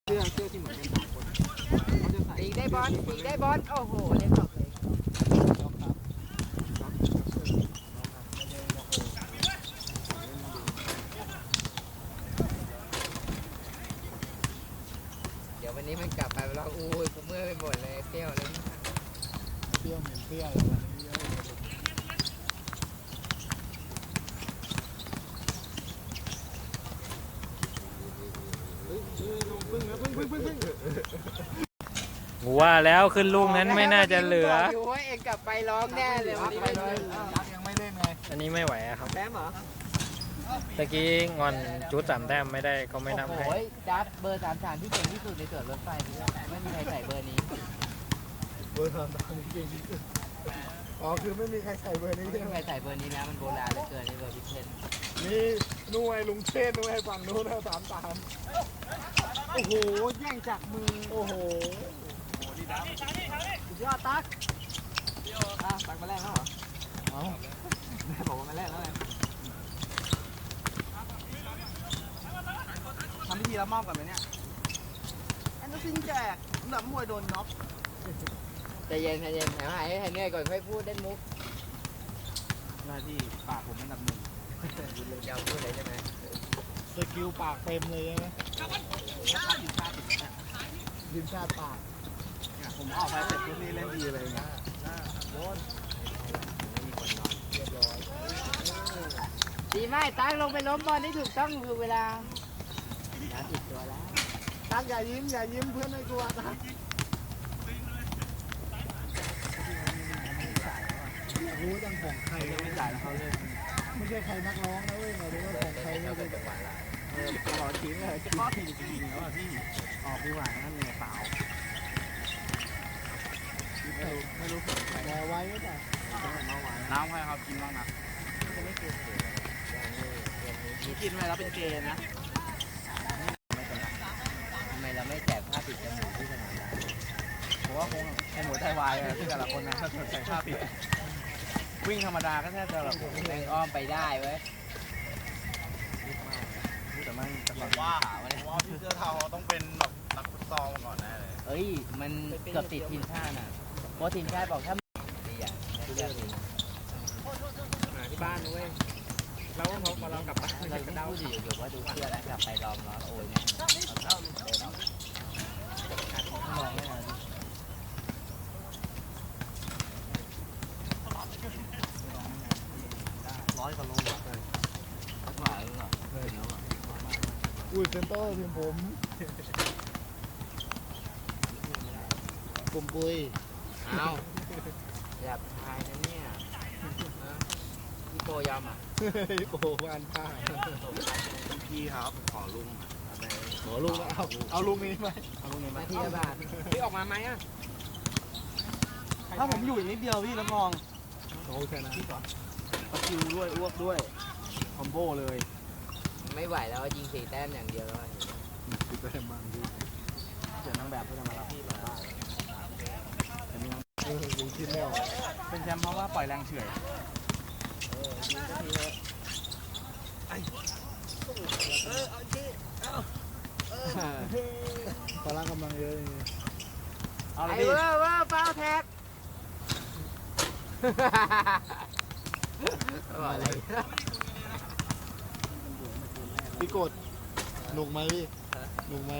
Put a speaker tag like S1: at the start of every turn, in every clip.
S1: สื้อที่เหมือนกันสองคนเขาจะใส่
S2: ตีได้บอลตีได้บอลโอ้โหเล่นออกเลยเดี๋ยววันนี้มันกลับไปแล้วอู้ยกูเมื่อยไปหมดเลยเปรี้ยวเลย
S3: เปรี้ยวเหม็นเปรี้ยว
S4: ว่าแล้วขึ้นลูกนั้นไม่น่าจะเหลือ
S2: อยู่ว่าเองกลับไปร้องแน่เลยวันนี้ไม่เลย
S3: ยังไม่เล่นไง
S4: อันนี้ไม่ไหวครับ
S2: แต้มเหรอ
S4: ตะกี้งอนจุด3 แต้มไม่ได้ก็ไม่นับให้
S2: โอ้ยดับเบอร์33ที่เก่งที่สุดในสวนรถไฟไม่มีใครใส่เบอร์นี้
S3: เบอร์33นี่เก่งที่สุดอ๋อคือไม่มีใครใส่เบอร์นี้
S2: ไม่มีใครใส่เบอร์นี้นะมันโบราณเหลือเกินในเบอร์พิเศษ
S3: นี่นุ่ยลุงเชษนุ่ยฝั่งนู้นนะ33โอ้โหแย่งจากมือโอ้โห
S2: สุดยอดตั๊กตั๊กมาแรกแล้วเหรอ
S3: เอา
S2: แม่บอกว่ามาแรกแล้วไง
S1: ทำพิธีรับมอบกันไหมเนี่ยแอนด์ซินแจกหลับมวยโดนน็อก
S2: ใจเย็นใจเย็นหายเหนื่อยก่อนค่อยพูดเล่นมุก
S1: หน้าที่ปากผมอันดับ 1
S2: ยาวพูดเลยใช่ไหม
S3: สกิลปากเต็มเลยใช่ไหมดินชาติปาก
S1: ผมออกไปเสร็จทุกนี่เล่นดีเลยนะโดน
S2: ดีไหมตั๊กลงไปล้มบอลได้ถูกต้องคือเวลาติดตัวแล้ว
S3: ตั๊กอย่ายิ้มเพื่อนไม่กลัวตั๊กรู้จังของใคร
S1: ไม่จ่ายแล้วเขาเล่น
S3: ไม่ใช่ใครนักร้องนะเว้ยมาดูว่าของใครไม่เป็นจังหวะละ
S1: ขอทิ้งเลยจะข้อทีจริงๆแล้วพี่ออกดีกว่านั่นเลยเปล่าไม่รู้สึกใคร
S3: รอไว้ก็ได้
S1: น้ำใครครับกินบ้างนะกินไปแล้วเป็นเกย์นะ
S2: ทำไมเราไม่แจกผ้าปิดจมูกที่สนามได้
S1: ผมว่าคงไอหมูไตวายที่แต่ละคนนะถ้าใส่ผ้าปิดวิ่งธรรมดาก็แทบจะแบบ
S2: แม่งอ้อมไปได้เว้ย
S1: แต่มันว่าพี่เสื้อเทาต้องเป็นแบบนักฟุตซอลมาก่อนแน่เลย
S2: เอ้ยมันเกือบติดทีมชาติอ่ะเพราะทีมชาติบอกถ้าดีอ่ะที่เลือกทีม
S1: มาที่บ้านนะเว้ยเราพอเรากลับบ้าน
S2: เราต้องพูดอยู่ว่าดูเพื่อนแล้วกลับไปลองล้อโอ้ยเนี่ยมองไม่ทัน
S1: 100 กว่าโลเลย
S2: หวานเหรอ
S3: อุ้ยเซนเตอร์ทีมผมปุย
S2: อ้าวหยาบคายนะเนี่ยพี่โปยอมอ่ะ
S3: พี่โปวานผ้า
S1: พี่ครับขอลุง
S3: เอาลุงนี้ไหม
S1: เอาลุงนี้ไหม
S2: ที่บ้านพี่ออกมาไหมอ่ะ
S1: ถ้าผมอยู่อีกนิดเดียวพี่รับรอง
S3: โอเคนะ
S1: พี่ก่อนตะคิวด้วยอ้วกด้วยคอมโบเลย
S2: ไม่ไหวแล้วยิง4 แต้มอย่างเดียวแล้ว
S3: ติดแต้มบางที
S1: เดี๋ยวนางแบบเขาจะมารับพี่มาบ้าน
S3: ลุงคิดแล้ว
S1: เป็นแชมป์เพราะว่าปล่อยแรงเฉื่อย
S3: พลังกำลังเยอะอย่างเงี้ย
S2: ไอ้ว่าฟาวแท็กอะไร
S3: พี่กดหนุกไหมพี่หนุกไหม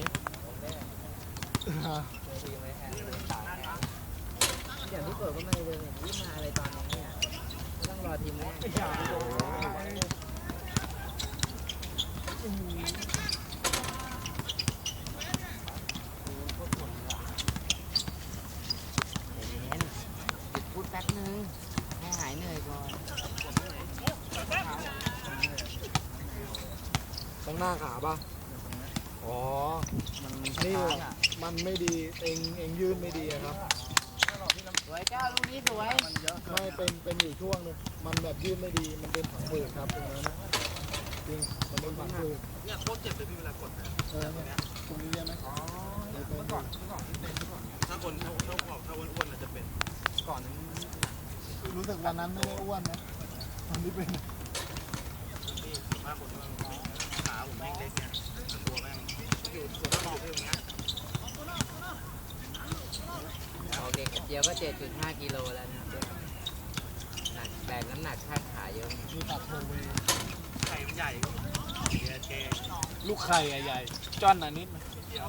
S2: อย่างที่เปิดก็ไม่เลยวิ่งมาอะไรตอนนี้เนี่ยต้องรอทีมแรกพูดแป๊บนึงให้หายเหนื่อยก่อน
S3: ต้องหน้าขาป่ะอ๋อนี่มันไม่ดีเองยืนไม่ดีครับ
S2: สวยก้าวลูกนี้สวย
S3: ไม่เป็นอยู่ช่วงนึงมันแบบยืนไม่ดีมันเป็นผังผืดครับตรงนั้นนะจริงมันเป็นผังผืด
S1: เนี่ยโคตรเจ็บเลยพี่เวลากดนะ
S3: ตรงนี้ใช่ไหม
S1: อ๋อเมื่อก่อนที่เป็นถ้าคนถ้าอ้วนๆจะเป็นก่อน
S3: รู้สึกวันนั้นไม่ได้อ้วนนะตอนนี้เป็น
S1: ถ้าคนขาผมแม่งเล็กเนี่ยตัวแม่งอยู่ส่วนหน้าอกอย่างเงี้ย
S2: เดียวก็ 7.5 กิโลแล้วนะครับหนักแบกน้ำหนักค่าขาเยอะ
S3: มีตัดโทเว
S1: ไข่มันใหญ่เก
S3: ลูกไข่ใหญ่ๆจ้อนนิดไหม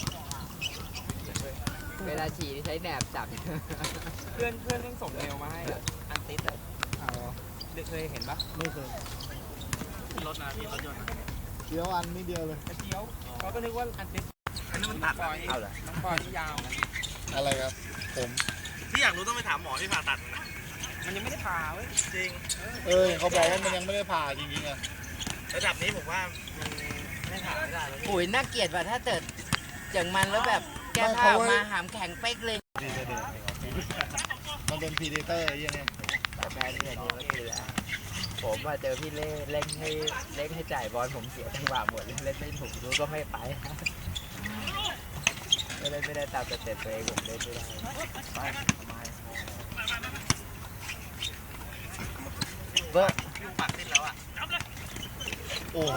S2: เวลาฉี่นี่ใช้แหนบจับ
S1: เพื่อนยังส่งเมลมาให้อันติสอ่ะ
S3: อ้าว
S1: เคยเห็นปะ
S3: ไม่เคย
S1: รถนะพี่รถยนต์
S3: เดี๋ยวอันนิดเดียวเลย
S1: กระเจียวเขาก็นึกว่าอันติสอันนี้มันตัดปล่อย
S2: เอาเหรอ
S1: น้องปล่อยที่ยาว
S3: อะไรครับ ผม
S1: ที่อยากรู้ต้องไปถามหมอที่ผ่าตัดมันมันยังไม่ได้ผ่าเว้ยจริง
S3: เขาบอกว่ามันยังไม่ได้ผ่าจริงๆอ่ะ
S1: ระดับนี้ผมว่ามันไม่ผ่าไม่ได้แล้ว
S2: ปุ๋ยน่าเกลียดว่ะถ้าเกิดจากมันแล้วแบบแก้ผ้าออกมาหามแข็งเป๊กเลย
S3: มันเป็นพีเดเตอร์ยังไง
S2: แต่แพ้นี่อันนี้ก็คือแล้วผมว่าเจอพี่เล่เล่งให้จ่ายบอลผมเสียจังหวะหมดเลยเล่นไม่ถูกรู้ก็ไม่ไปไม่ได้ตามสเต็ปตัวเองผมเล่นไม่ได้เบอร์
S1: พี่ปักติดแล้วอ่ะ
S3: โอ้โห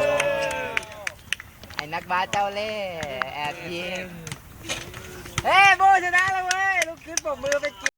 S2: ไอ้นักบาสเจ้าเล่ห์แอบยิงเฮ้ยโบชนะแล้วเว้ยลูกขึ้นปรบมือไป